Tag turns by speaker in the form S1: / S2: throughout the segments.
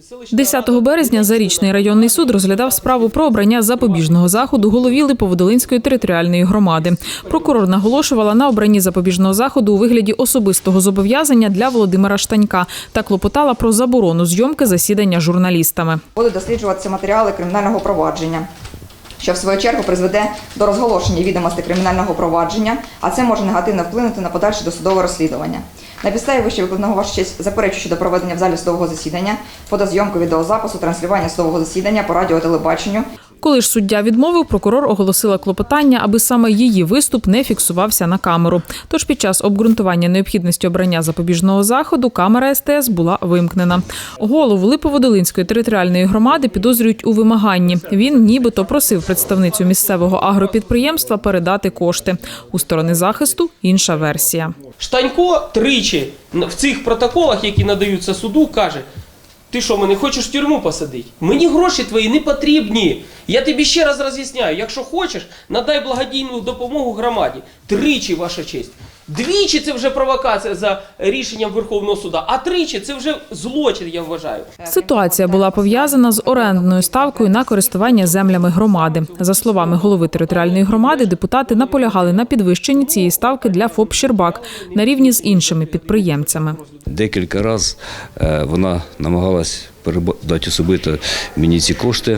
S1: 10 березня Зарічний районний суд розглядав справу про обрання запобіжного заходу голові Липоводолинської територіальної громади. Прокурор наголошувала на обранні запобіжного заходу у вигляді особистого зобов'язання для Володимира Штанька та клопотала про заборону зйомки засідання журналістами.
S2: Будуть досліджуватися матеріали кримінального провадження, що в свою чергу призведе до розголошення відомостей кримінального провадження, а це може негативно вплинути на подальше досудове розслідування. На підставі вище викладеного, ваша честь, заперечую щодо проведення в залі судового засідання, фотозйомку, відеозапису, транслювання судового засідання по радіо, телебаченню.
S1: Коли ж суддя відмовив, прокурор оголосила клопотання, аби саме її виступ не фіксувався на камеру. Тож під час обґрунтування необхідності обрання запобіжного заходу камера СТС була вимкнена. Голову Липоводолинської територіальної громади підозрюють у вимаганні. Він нібито просив представницю місцевого агропідприємства передати кошти. У сторони захисту інша версія.
S3: Штанько тричі в цих протоколах, які надаються суду, каже: ти що, мене хочеш в тюрму посадити? Мені гроші твої не потрібні. Я тобі ще раз роз'ясняю, якщо хочеш, надай благодійну допомогу громаді. Тричі, ваша честь. Двічі це вже провокація за рішенням Верховного суду, а тричі це вже злочин, я вважаю.
S1: Ситуація була пов'язана з орендною ставкою на користування землями громади. За словами голови територіальної громади, депутати наполягали на підвищенні цієї ставки для ФОП «Щербак» на рівні з іншими підприємцями.
S4: Декілька разів вона намагалась передати особисто мені ці кошти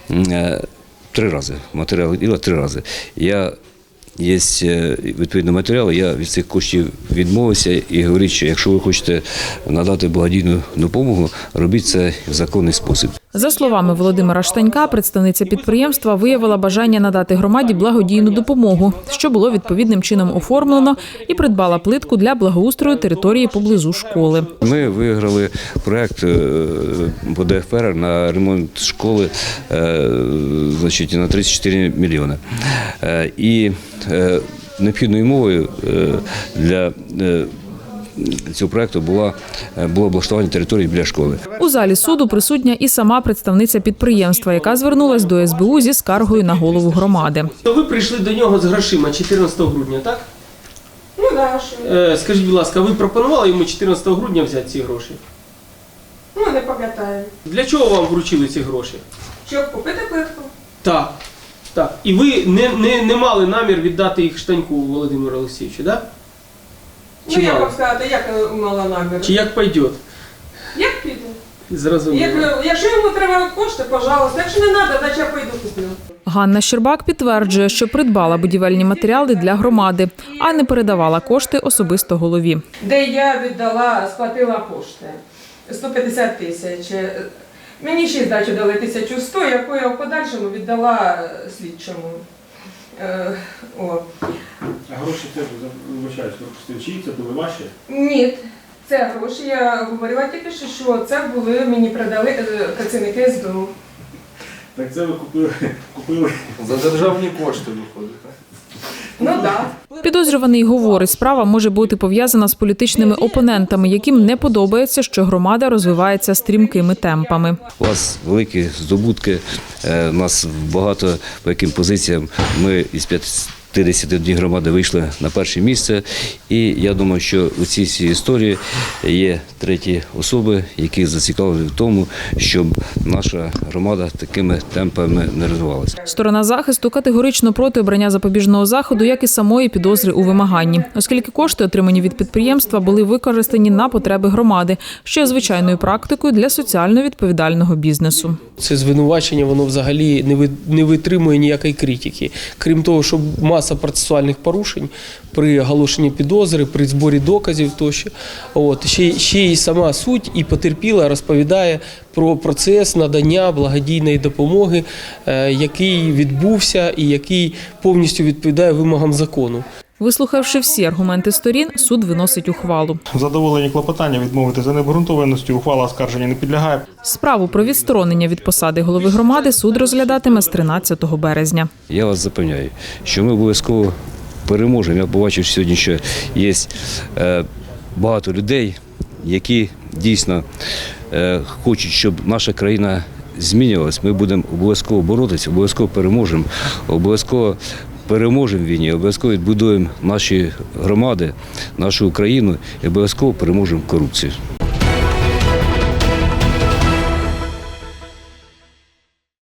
S4: 3 рази. Матеріал діла 3 рази. Є відповідні матеріали, я від цих коштів відмовився і говорю, що якщо ви хочете надати благодійну допомогу, робіть це в законний спосіб.
S1: За словами Володимира Штанька, представниця підприємства виявила бажання надати громаді благодійну допомогу, що було відповідним чином оформлено, і придбала плитку для благоустрою території поблизу школи.
S4: Ми виграли проєкт по ДФР на ремонт школи на 34 мільйони. І необхідною умовою для цього проєкту було облаштування території біля школи.
S1: У залі суду присутня і сама представниця підприємства, яка звернулась до СБУ зі скаргою на голову громади.
S3: То ви прийшли до нього з грошима 14 грудня, так?
S2: Ну, да, що?
S3: Скажіть, будь ласка, ви пропонували йому 14 грудня взяти ці гроші?
S2: Ну, не пам'ятаю.
S3: Для чого вам вручили ці гроші?
S2: Щоб купити плитку?
S3: Так. Так. І ви не мали намір віддати їх Штаньку Володимиру Олексійовичу, так?
S5: Ну, як вам сказати, як мала намір?
S3: Чи як пойде?
S5: Як піде?
S3: Зрозуміло.
S5: Якщо йому треба кошти, пожалуйста. Якщо не треба, значить я пойду куплю.
S1: Ганна Щербак підтверджує, що придбала будівельні матеріали для громади, а не передавала кошти особисто голові.
S5: Де я віддала, сплатила кошти. 150 тисяч. Мені ще здачу дали 1100, яку я в подальшому віддала слідчому.
S6: А гроші це, вибачаюсь, чиї це були ваші?
S5: Ні, це гроші. Я говорила тільки що це були, мені передали працівники СБУ.
S6: Так це ви купили
S7: За державні кошти виходить.
S5: Ну так.
S1: Підозрюваний говорить, справа може бути пов'язана з політичними опонентами, яким не подобається, що громада розвивається стрімкими темпами.
S4: У вас великі здобутки, у нас багато по яким позиціям ми із 51 громади вийшли на перше місце. І я думаю, що у цій всій історії є треті особи, які зацікавлені в тому, щоб наша громада такими темпами не розвивалася.
S1: Сторона захисту категорично проти обрання запобіжного заходу, як і самої підозри у вимаганні, оскільки кошти, отримані від підприємства, були використані на потреби громади, що є звичайною практикою для соціально відповідального бізнесу.
S3: Це звинувачення, воно взагалі не витримує ніякої критики. Крім того, що маса процесуальних порушень при оголошенні підозри, при зборі доказів тощо. Ще й сама суть і потерпіла розповідає про процес надання благодійної допомоги, який відбувся і який повністю відповідає вимогам закону.
S1: Вислухавши всі аргументи сторін, суд виносить ухвалу.
S6: Задоволені клопотання відмовити за необґрунтованістю, ухвала оскарження не підлягає.
S1: Справу про відсторонення від посади голови громади суд розглядатиме з 13 березня.
S4: Я вас запевняю, що ми обов'язково переможемо. Я побачив сьогодні, що є багато людей, які дійсно хочуть, щоб наша країна змінювалась. Ми будемо обов'язково боротися, обов'язково переможемо, обов'язково переможемо в війні, обов'язково відбудуємо наші громади, нашу Україну і обов'язково переможемо корупцію.